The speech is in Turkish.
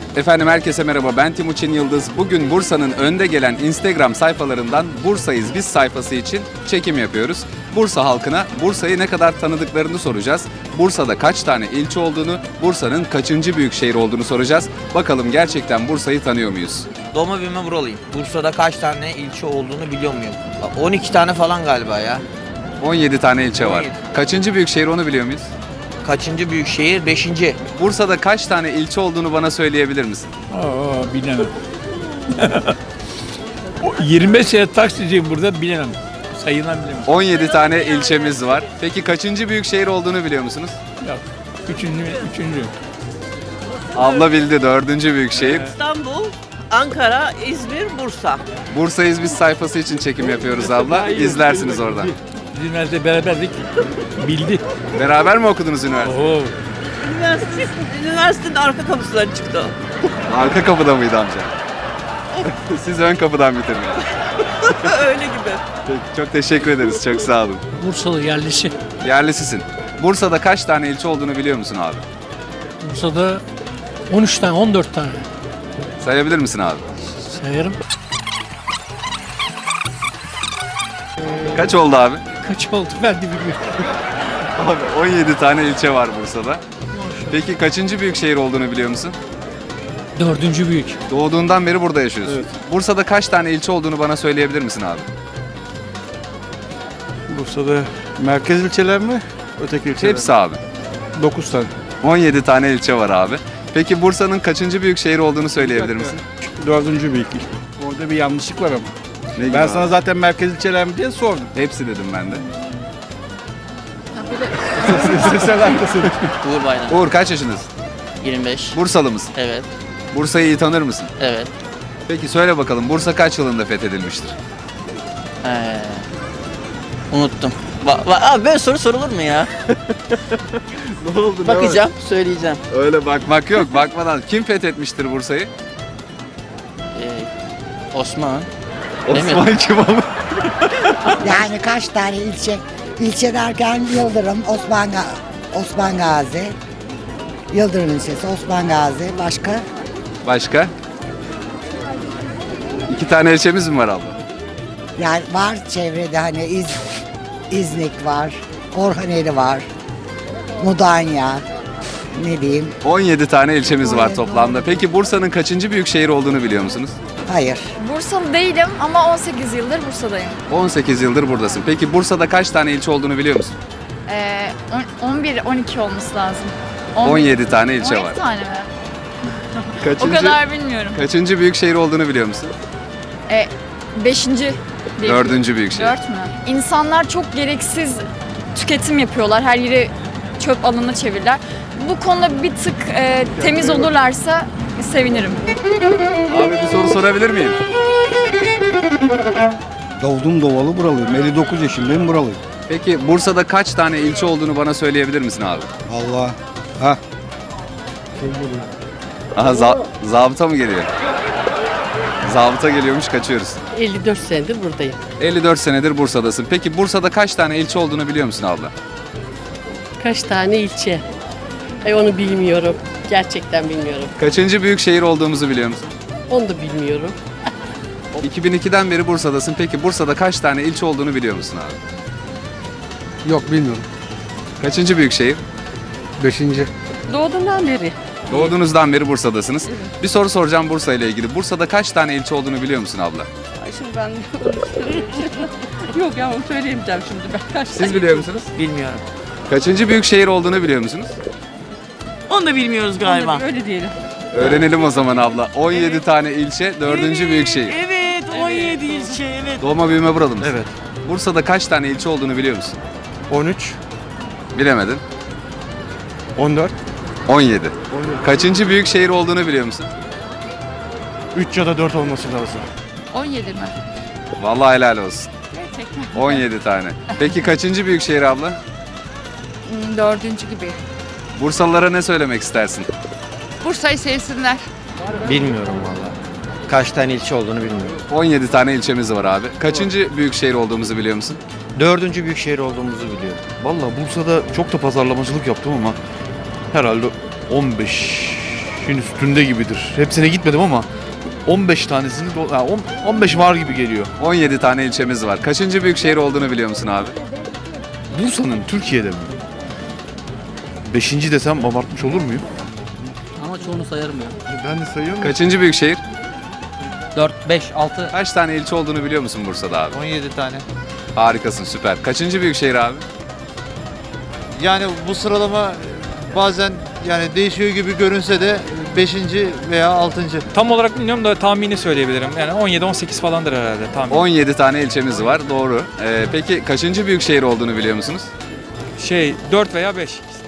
Efendim herkese merhaba, ben Timuçin Yıldız. Bugün Bursa'nın önde gelen Instagram sayfalarından Bursa'yız biz sayfası için çekim yapıyoruz. Bursa halkına Bursa'yı ne kadar tanıdıklarını soracağız. Bursa'da kaç tane ilçe olduğunu, Bursa'nın kaçıncı büyük şehir olduğunu soracağız. Bakalım gerçekten Bursa'yı tanıyor muyuz? Doğma büyüme buralıyım. Bursa'da kaç tane ilçe olduğunu biliyor muyum? 12 tane falan galiba ya. 17 tane ilçe var. 17. Kaçıncı büyük şehir onu biliyor muyuz? Kaçıncı büyük şehir? 5. Bursa'da kaç tane ilçe olduğunu bana söyleyebilir misin? Bilemem. 25 sene taksiciyim burada, bilemem. Sayılan bilemem. 17 tane ilçemiz var. Peki kaçıncı büyük şehir olduğunu biliyor musunuz? Yok. Üçüncü. Abla bildi, dördüncü büyük şehir. İstanbul, Ankara, İzmir, Bursa. Bursa'yız biz sayfası için çekim yapıyoruz abla. İzlersiniz oradan. Biz üniversitede beraberdik. Bildi. Beraber mi okudunuz üniversite? Oo. Üniversitenin arka kapısından çıktı. Arka kapıda mıydı amca? Siz ön kapıdan bitirdiniz. Öyle gibi. Peki, çok teşekkür ederiz. Çok sağ olun. Bursalı yerlisi. Yerlisisin. Bursa'da kaç tane ilçe olduğunu biliyor musun abi? Bursa'da 13 tane, 14 tane Sayabilir misin abi? sayarım. Kaç oldu abi? Kaç oldu ben de bilmiyorum. Abi 17 tane ilçe var Bursa'da. Peki kaçıncı büyük şehir olduğunu biliyor musun? 4. büyük. Doğduğundan beri burada yaşıyorsun. Evet. Bursa'da kaç tane ilçe olduğunu bana söyleyebilir misin abi? Bursa'da merkez ilçeler mi? Öteki ilçeler Hepsi abi. 9 tane. 17 tane ilçe var abi. Peki Bursa'nın kaçıncı büyük şehir olduğunu söyleyebilir misin? 4. büyük. Orada bir yanlışlık var ama. Ne gibi Ben abi? sana zaten merkez ilçeler mi diye sordum. Hepsi dedim ben de. Sen haklısın. Uğur Bayram. Uğur kaç yaşındasın? 25. Bursalı mısın? Evet. Bursa'yı iyi tanır mısın? Evet. Peki söyle bakalım Bursa kaç yılında fethedilmiştir? Unuttum. Abi böyle soru sorulur mu ya? Ne oldu? Bakacağım, söyleyeceğim. Öyle bakmak yok. Bakmadan kim fethetmiştir Bursa'yı? Osman. Osman kim ama? Yani kaç tane ilçe? İlçe derken Yıldırım, Osman Gazi. Yıldırım ilçesi, Osman Gazi. Başka? Başka? 2 tane ilçemiz mi var abla? Yani var çevrede hani İznik var, Orhaneli var, Mudanya, ne diyeyim? 17 tane ilçemiz var toplamda. Peki Bursa'nın kaçıncı büyük şehir olduğunu biliyor musunuz? Hayır. Bursalı değilim ama 18 yıldır Bursa'dayım. 18 yıldır buradasın. Peki Bursa'da kaç tane ilçe olduğunu biliyor musun? 11-12 olması lazım. 17 tane ilçe 12 var. tane mi? Kaçıncı, O kadar bilmiyorum. kaçıncı büyük şehir olduğunu biliyor musun? 5. Dördüncü büyük şehir. 4 mü? İnsanlar çok gereksiz tüketim yapıyorlar. Her yeri çöp alanına çevirirler. Bu konuda bir tık temiz olurlarsa sevinirim. Abi bir soru sorabilir miyim? Doğdum doğalı buralıyım. 59 yaşındayım buralıyım. Peki Bursa'da kaç tane ilçe olduğunu bana söyleyebilir misin abi? Allah. Ha. Aha zabıta mı geliyor? Zabıta geliyormuş, kaçıyoruz. 54 senedir buradayım. 54 senedir Bursa'dasın. Peki Bursa'da kaç tane ilçe olduğunu biliyor musun abla? Kaç tane ilçe? Onu bilmiyorum. Gerçekten bilmiyorum. Kaçıncı büyük şehir olduğumuzu biliyor musun? Onu da bilmiyorum. 2002'den beri Bursa'dasın. Peki Bursa'da kaç tane ilçe olduğunu biliyor musun abi? Yok bilmiyorum. Kaçıncı büyük şehir? 5. Doğduğumdan beri. Doğduğunuzdan beri Bursa'dasınız. Bir soru soracağım Bursa ile ilgili. Bursa'da kaç tane ilçe olduğunu biliyor musun abla? Ay şimdi ben yok ya onu söyleyemeyeceğim şimdi ben. Kaç Siz biliyor musunuz? Bilmiyorum. Kaçıncı büyük şehir olduğunu biliyor musunuz? Onu da bilmiyoruz galiba. Öyle diyelim. Öğrenelim o zaman abla. 17 tane ilçe, 4. büyük şehir. Evet, 17 ilçe, evet. Doğma büyüme buralı mısın? Evet. Bursa'da kaç tane ilçe olduğunu biliyor musun? 13, Bilemedin. 14, 17. Kaçıncı büyük şehir olduğunu biliyor musun? 3 ya da 4 olması lazım. 17 mi? Vallahi helal olsun. Gerçekten. 17 tane. Peki kaçıncı büyük şehir abla? 4. gibi. Bursalılara ne söylemek istersin? Bursa'yı sevsinler. Bilmiyorum valla. Kaç tane ilçe olduğunu bilmiyorum. 17 tane ilçemiz var abi. Kaçıncı büyük şehir olduğumuzu biliyor musun? 4. büyük şehir olduğumuzu biliyorum. Valla Bursa'da çok da pazarlamacılık yaptım ama herhalde 15. 15'in üstünde gibidir. Hepsine gitmedim ama 15 tanesini 15 var gibi geliyor. 17 tane ilçemiz var. Kaçıncı büyük şehir olduğunu biliyor musun abi? Bursa'nın Türkiye'de mi? 5. desem abartmış olur muyum? Ama çoğunu sayarım ya. Ben de sayıyorum. Kaçıncı büyük şehir? 4, 5, 6. Kaç tane ilçe olduğunu biliyor musun Bursa'da abi? 17 tane. Harikasın, süper. Kaçıncı büyük şehir abi? Yani bu sıralama bazen yani değişiyor gibi görünse de 5. veya 6. Tam olarak bilmiyorum da tahmini söyleyebilirim. Yani 17-18 falandır herhalde tahmin. 17 tane ilçemiz var, doğru. Peki kaçıncı büyük şehir olduğunu biliyor musunuz? 4 veya 5.